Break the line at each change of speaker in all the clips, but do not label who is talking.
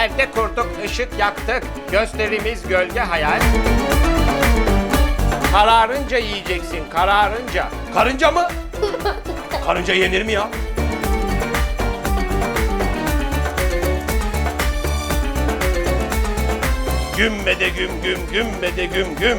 Perde kurduk, ışık yaktık. Gösterimiz gölge hayal. Kararınca yiyeceksin, kararınca.
Karınca mı? Karınca yenir mi ya? Gümme de güm güm, gümme de güm güm.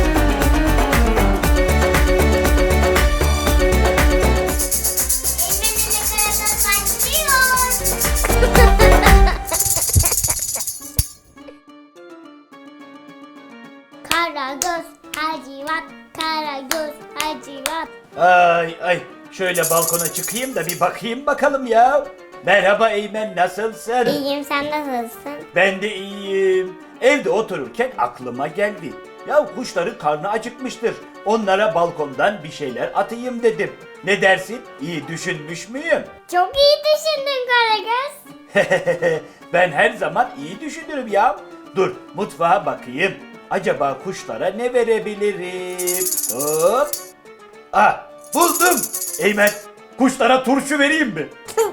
Karagöz Hacivat, Karagöz Hacivat.
Ay şöyle balkona çıkayım da bir bakayım bakalım ya. Merhaba Eymen, nasılsın?
İyiyim, sen nasılsın?
Ben de iyiyim. Evde otururken aklıma geldi. Ya kuşların karnı acıkmıştır. Onlara balkondan bir şeyler atayım dedim. Ne dersin? İyi düşünmüş müyüm?
Çok iyi düşündün Karagöz.
Ben her zaman iyi düşünürüm ya. Dur mutfağa bakayım. Acaba kuşlara ne verebilirim? Hop. Ah, buldum. Eymen, kuşlara turşu vereyim mi?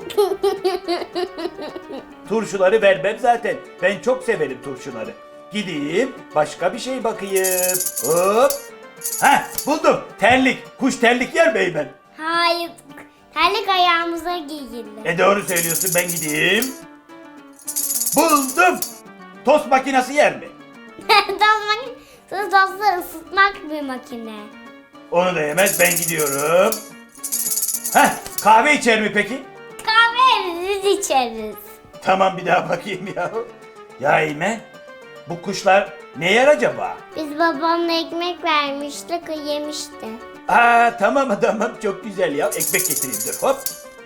Turşuları vermem zaten. Ben çok severim turşuları. Gideyim başka bir şey bakayım. Hop. Heh, buldum. Terlik. Kuş terlik yer mi Eymen?
Hayır, terlik ayağımıza giyilir.
Doğru söylüyorsun, ben gideyim. Buldum. Tost makinesi yer mi?
Dostları ısıtmak bir makine.
Onu da yemez, ben gidiyorum. Heh, kahve içer mi peki?
Kahve biz içeriz.
Tamam, bir daha bakayım ya. Ya Eymen, bu kuşlar ne yer acaba?
Biz babamla ekmek vermiştik, o yemişti.
Aa, tamam çok güzel ya. Ekmek getireyim dur, hop.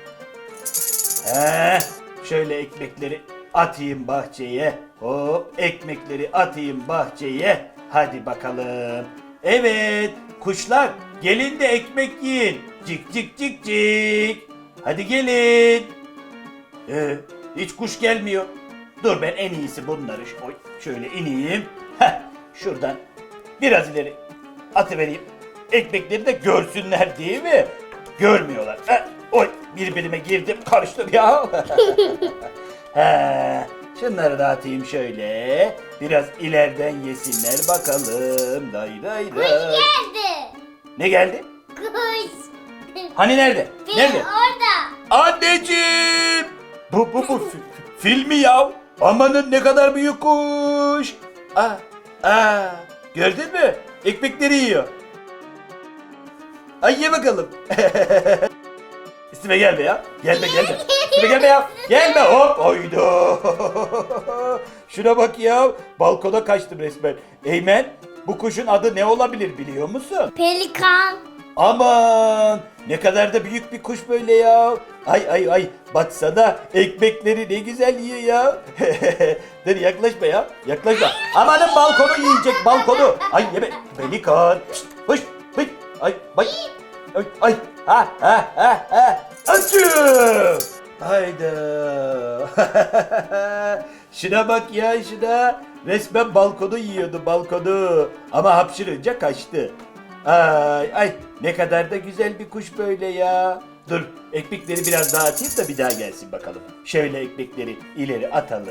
Şöyle ekmekleri atayım bahçeye. Hop, ekmekleri atayım bahçeye. Hadi bakalım. Evet, kuşlar gelin de ekmek yiyin. Cik cik cik cik. Hadi gelin. Hiç kuş gelmiyor. Dur, ben en iyisi bunları şöyle ineyim. Şuradan biraz ileri atıvereyim. Ekmekleri de görsünler değil mi? Görmüyorlar. Birbirime girdim, karıştım ya. Şunları da atayım şöyle. Biraz ileriden yesinler bakalım. Day.
Geldi.
Ne geldi?
Kuş.
Hani nerede? Nerede?
Orada.
Anneciğim! Bu filmi ya. Amanın ne kadar büyük kuş. Gördün mü? Ekmekleri yiyor. Ay ye bakalım. Üstüme gelme ya. Gelme. Üstüme gelme ya. Gelme hop. Oydu. Şuna bak ya. Balkona kaçtım resmen. Eymen, bu kuşun adı ne olabilir biliyor musun?
Pelikan.
Aman ne kadar da büyük bir kuş böyle ya. Ay baksana, ekmekleri ne güzel yiyor ya. Dur, yaklaşma ya, yaklaşma. Amanın balkonu yiyecek, balkonu. Ay yeme pelikan. Hış. Ay açım. Hayda. Şuna bak ya, şuna. Resmen balkonu yiyordu, balkonu. Ama hapşırınca kaçtı. Ay ne kadar da güzel bir kuş böyle ya. Dur, ekmekleri biraz daha atayım da bir daha gelsin bakalım. Şöyle ekmekleri ileri atalım.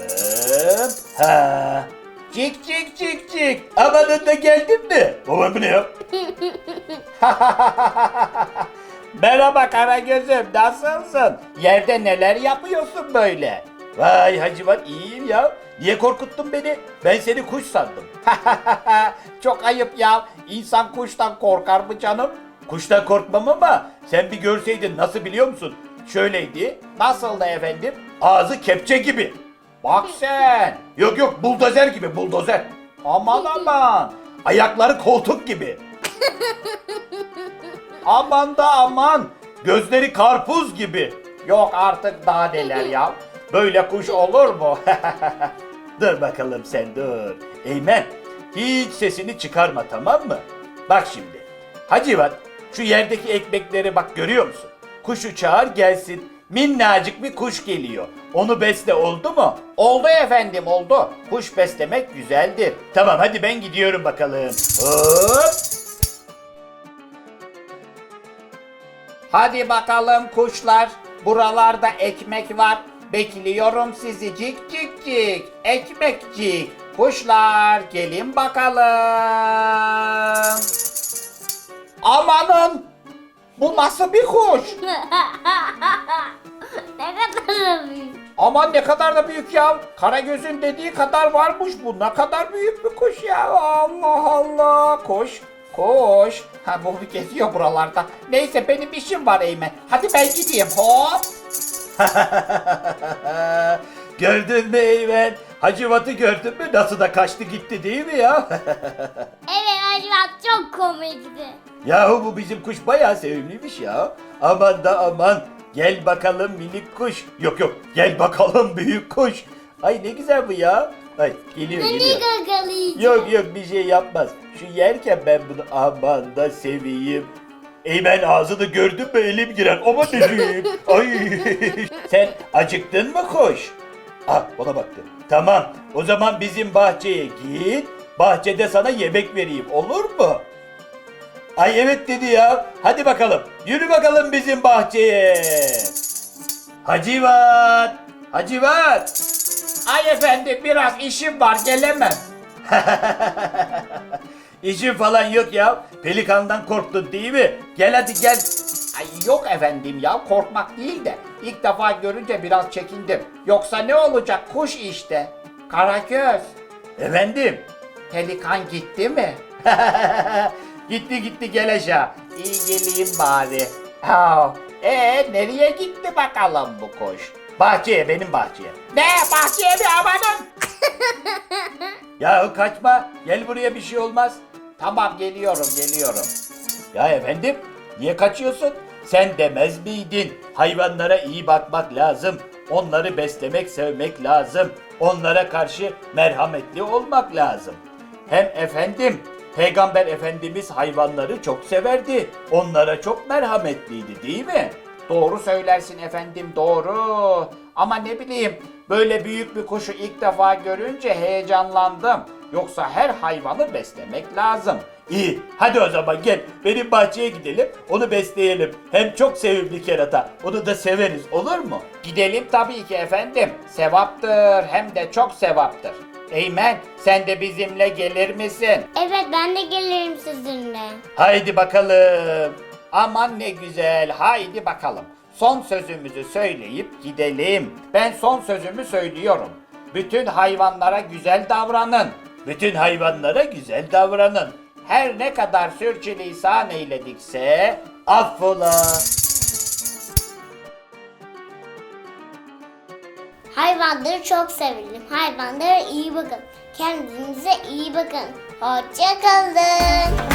Cik cik cik cik. Amanın da geldin mi? Baba bu ne ya?
Merhaba Karagöz'üm, nasılsın? Yerde neler yapıyorsun böyle?
Vay Hacivat, iyiyim ya. Niye korkuttun beni? Ben seni kuş sandım.
Çok ayıp ya. İnsan kuştan korkar mı canım?
Kuştan korkmam ama sen bir görseydin, nasıl biliyor musun? Şöyleydi.
Nasıldı efendim?
Ağzı kepçe gibi.
Bak sen.
Yok buldozer gibi, buldozer.
Aman.
Ayakları koltuk gibi.
Aman da aman.
Gözleri karpuz gibi.
Yok artık, daha neler ya. Böyle kuş olur mu?
Dur bakalım sen, dur. Eymen, hiç sesini çıkarma, tamam mı? Bak şimdi. Hacivat, şu yerdeki ekmekleri bak, görüyor musun? Kuşu çağır gelsin. Minnacık bir kuş geliyor. Onu besle, oldu mu?
Oldu efendim, oldu. Kuş beslemek güzeldir.
Tamam, hadi ben gidiyorum bakalım. Hop.
Hadi bakalım kuşlar. Buralarda ekmek var. Bekliyorum sizi cik cik cik. Ekmekcik. Kuşlar gelin bakalım. Amanın! Bu nasıl bir kuş?
Ne kadar büyük.
Aman ne kadar da büyük ya. Karagöz'ün dediği kadar varmış bu. Ne kadar büyük bir kuş ya. Allah Allah. Kuş. Kuş. Ha bu geziyor buralarda. Neyse benim işim var Eymen. Hadi ben gideyim. Hop.
Gördün mü Eymen? Hacivat'ı gördün mü? Nasıl da kaçtı gitti değil mi ya?
Evet Hacivat çok komikti.
Yahu bu bizim kuş bayağı sevimliymiş ya. Aman da aman. Gel bakalım minik kuş. Yok yok gel bakalım büyük kuş. Ay ne güzel bu ya. Ay geliyor
Beni
geliyor.
gagalayacak.
Yok yok bir şey yapmaz. Şu yerken ben bunu aman da seveyim. Eymen ağzını gördün mü elim girer. Aman dedim. Ay. Sen acıktın mı kuş? Ah ona baktı. Tamam o zaman bizim bahçeye git. Bahçede sana yemek vereyim olur mu? Ay evet dedi ya. Hadi bakalım. Yürü bakalım bizim bahçeye. Hacivat. Hacivat.
Ay efendim biraz işim var gelemem.
İşin falan yok ya. Pelikandan korktun değil mi? Gel hadi gel.
Ay yok efendim ya korkmak değil de ilk defa görünce biraz çekindim. Yoksa ne olacak kuş işte. Karagöz.
Efendim?
Pelikan gitti mi?
Gitti gitti gel aşağı.
İyi geleyim bari. Ha, nereye gitti bakalım bu kuş?
Bahçeye benim bahçeye.
Ne bahçeye mi amanın?
Yahu kaçma. Gel buraya bir şey olmaz.
Tamam geliyorum geliyorum.
Ya efendim niye kaçıyorsun? Sen demez miydin? Hayvanlara iyi bakmak lazım. Onları beslemek, sevmek lazım. Onlara karşı merhametli olmak lazım. Hem efendim Peygamber Efendimiz hayvanları çok severdi. Onlara çok merhametliydi değil mi?
Doğru söylersin efendim doğru. Ama ne bileyim böyle büyük bir kuşu ilk defa görünce heyecanlandım. Yoksa her hayvanı beslemek lazım.
İyi hadi o zaman gel benim bahçeye gidelim onu besleyelim. Hem çok sevimli kerata onu da severiz olur mu?
Gidelim tabii ki efendim. Sevaptır hem de çok sevaptır. Eymen sen de bizimle gelir misin?
Evet ben de gelirim sizinle.
Haydi bakalım.
Aman ne güzel haydi bakalım. Son sözümüzü söyleyip gidelim. Ben son sözümü söylüyorum. Bütün hayvanlara güzel davranın.
Bütün hayvanlara güzel davranın.
Her ne kadar sürçülisan eyledikse
Affola.
Hayvanları çok sevelim. Hayvanlara iyi bakın. Kendinize iyi bakın. Hoşça kalın.